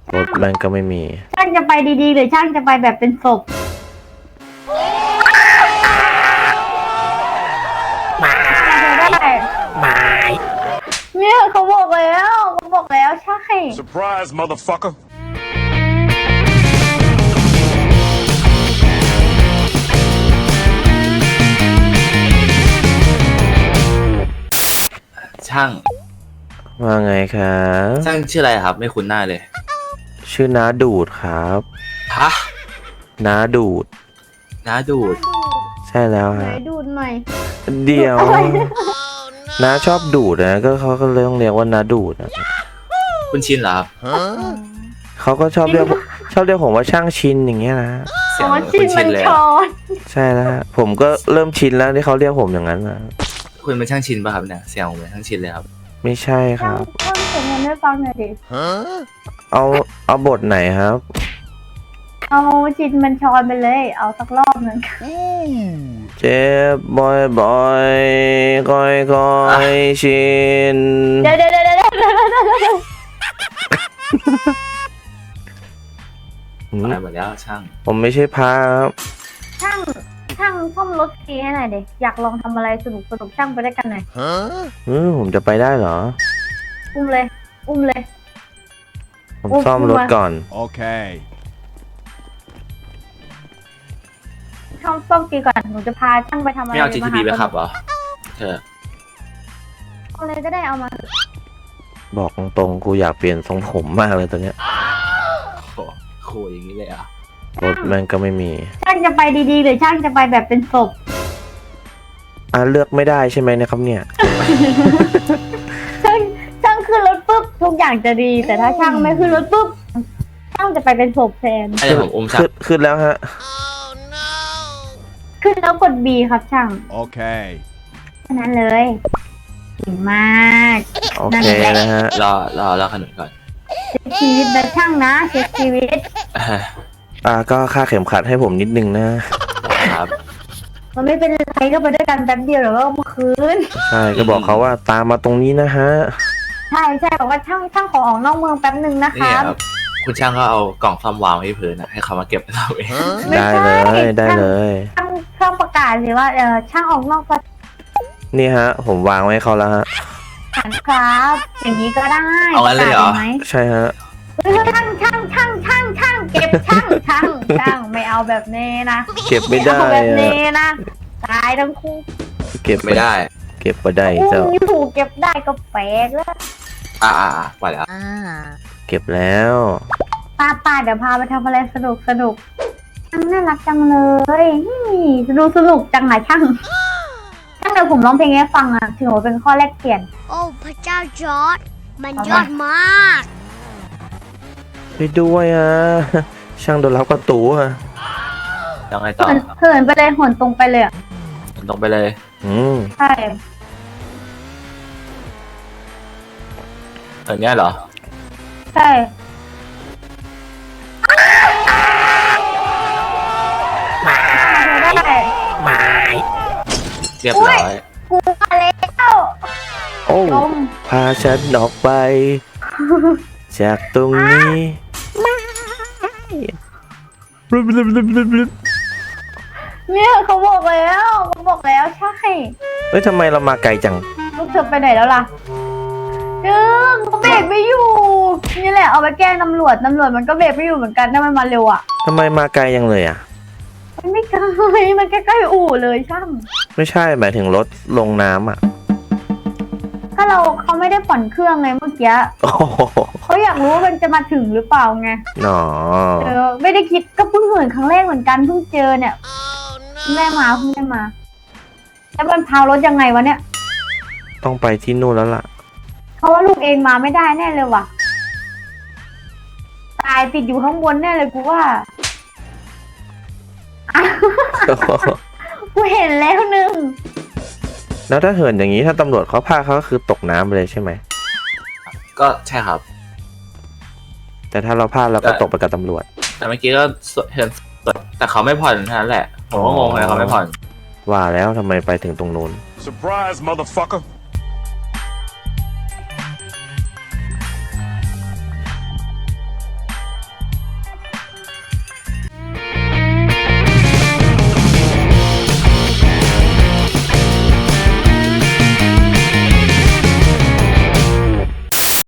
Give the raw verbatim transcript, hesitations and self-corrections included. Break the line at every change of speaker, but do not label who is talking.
รถมันก็ไม่มี
ช่างจะไปดีๆหรือช่างจะไปแบบเป็นศพ
มา
ได้
มา
เนี่ยเขาบอกแล้วเขาบอกแล้วใช่
Surprise, motherfucker.
ช่าง
ว่าไงครับ
ช่างชื่ออะไรครับไม่คุ้นหน้าเลย
ชื่อน้าดูดครับ
ฮะ
น้าดูด
น้าดูด
ใช่แล้ว
ไหน
ฮะ
ดูดหน่อย
เดี๋ยวน้าชอบดูดนะก็เขาก็เลยต้องเรียกว่าน้าดูดนะ
คุณชินเหรอครับ
เขาก็ชอบเรียกชอบเรียกผมว่าช่างชินอย่างเงี้ยนะ
เสีย
อ๋
ง
อ
เหมือน
ชิ
คุ
น
ณ
มั
ชิ
น
นเลย
ชอน
ใช่แล้วฮะผมก็เริ่มชินแล้วที่เขาเรียกผมอย่างนั้นนะ
คุณเป็นช่างชินป่ะครับเนี่ยเสียงเหมือนช่างชินเลยครับ
ไม่ใช่ค
ช่าง
รับ
ช่างเสียงเงินให้ฟังหน่อยดิ
เอาเอาบทไหนครับ
เอาชินมันชอนไปเลย เอาสักรอบหนึ่ง
เจ็บบอยบอยคอยคอยชิน
เดี๋ยวเดี๋ยวเดี๋ยวเดี๋ยวเดี๋ยวเดี๋ยว
หืม
ตายหมดแล้วช่าง
ผมไม่ใช่พระครับ
ช่างช่างซ่อมรถทีให้หน่อยดิอยากลองทำอะไรสนุกสนุกช่างไปด้วยกันหน่อย
อืมผมจะไปได้เหรอ
อุ้มเลย อุ้มเลย
ผม
โอ้
ซ่อมรถก่อน
Okay.
ช่างซ่อมทีก่อนหนูจะพาช่างไปทำอะไร
ไม่เอา จี ที พี ไปขับ
ม
เหรอเธอ
เอาเลยก็ได้เอามา
บอกตรงๆกูอยากเปลี่ยนทรงผมมากเลยตอนเนี้ย
โหโหอย่างนี้เลยเหรอ่ะ
รถมันก็ไม่มี
ช่างจะไปดีๆหรือช่างจะไปแบบเป็นศพ
อ่ะเลือกไม่ได้ใช่ไหมเนะครับเนี่ย
ช่างช่างขึ้นรถปุ๊บทุกอย่างจะดี แต่ถ้าช่างไม่ขึ้นรถปุ๊บช่างจะไปเป็นศพแทน
ให้ผมอุ้มช่าง
ขึ้นขึ้นแล้วฮะ
ขึ้นแล้วกด B ครับช่าง
Okay.
แค่นั้นเลยเก่งมาก
โอเคนะฮะ
รอรอรอขนุนก่อน
เช็คชีวิตนะช่างนะเช็คชีวิต
อ่าก็ค่าเข็มขัดให้ผมนิดนึงนะ
ครับ
มันไม่เป็นไรก็ไปด้วยกันแป๊บเดียวเดี๋ยวก็เอามาคืน
ใช่ก็บอกเขาว่าตามมาตรงนี้นะฮะ
ใช่ใช่บอกว่าช่างช่างขอออกนอกเมืองแป๊บหนึ่งนะค
นี่
รับ
ครับคุณช่างก็เอากล่องซ่อมวางไว้ที่พื้นนะให้เขามาเก็บเราเอง
ไม่
ได้
ใช่
เลยได้เลย
ช่างช่างประกาศสิว่าเออช่างออกนอกสถ
นี่ฮะ ผมวางไว้ให้เขาแล้วฮะ
านครับ อย่างนี้ก็ได้
เอางั้นเลยเหรอ
ประกาศไหม
ใช่ฮะ
เฮ้ยช่างช่างช่างช่างช่างเก็บช่างช่างช่างไม่เอาแบบนี้นะ
เก็บไม่ได้
เอาแบบ
อะ
นี้นะตายทั้งคู่
เก็บ
ไม่ได้
เก็บไม่ได้
อุ้
เจ้าม
อยู่เก็บได้ก็แปลกแล้ว
อ่าอ่าอ่าปล่อยแล้ว
เก็บแล้ว
ป้าป้าเดี๋ยวพาไปทำอะไรสนุกสนุกช่างน่ารักจังเลยนี่ดูสนุกจังไหนช่างช่างเดี๋ยวผมร้องเพลงให้ฟังอ่ะถือว่าเป็นข้อแรกเปลี่ยน
โอ้พระเจ้าจอร์ดมันยอดมาก
ไปด้วยอ่ะ ช่างโดนรับประตูอ่ะ
ยังไงต่อ
เหินเหินไปเลยเหินตรงไปเลยอ่ะ
ตรงไปเลย
อืม
ใช่
เออเนี้ยเหรอ
ใช่ ได้
มา
เรียบร้อย
กูมาแล้ว
โอ้
ลม
พาฉันออกไป จากตรงนี้บลึบลึบลึบลึบลึบ
เนี่ยเขาบอกแล้วเขาบอกแล้วใช่
เฮ้ยทำไมเรามาไกลจัง
ลูกเธอไปไหนแล้วล่ะดึงเขาเบรกไม่อยู่นี่แหละเอาไปแกล้งตำรวจตำรวจมันก็เบรกไม่อยู่เหมือนกันถ้ามันมาเร็วอ่ะ
ทำไมมาไกลยังเลยอ่ะ
มันไม่ไกลมันใกล้ๆอู่เลยช่าง
ไม่ใช่หมายถึงรถลงน้ำอ่ะ
ก็เราเขาไม่ได้ผ่อนเครื่องไงเมื่อกี้
โอ้โห
เขาอยากรู้ว่ามันจะมาถึงหรือเปล่าไง
หนอ
เออไม่ได้คิดก็เพิ่งเห็นครั้งแรกเหมือนกันเพิ่งเจอเนี่ยเพิ่งได้มาเพิ่งได้มาแล้วมันพารถยังไงวะเนี่ย
ต้องไปที่นู่นแล้วล่ะ
เพราะว่าลูกเองมาไม่ได้แน่เลยว่ะตายติดอยู่ข้างบนแน่เลยกูว่าอ้าวกูเห็นแล้วหนึ่ง
แล้วถ้าเหินอย่างนี้ถ้าตำรวจเขาพาเขาก็คือตกน้ำไปเลยใช่ไหม
ก็ใช่ครับ
แต่ถ้าเราพลาดเราก็ตกไปกับตำรวจ
แต่เมื่อกี้ก็เห็นแต่เขาไม่ผ่อนเท่านั้นแหละ ผมก็งงเลยเขาไม่ผ่อน
ว่าแล้วทำไมไปถึงตรงนู้น
Surprise, motherfucker.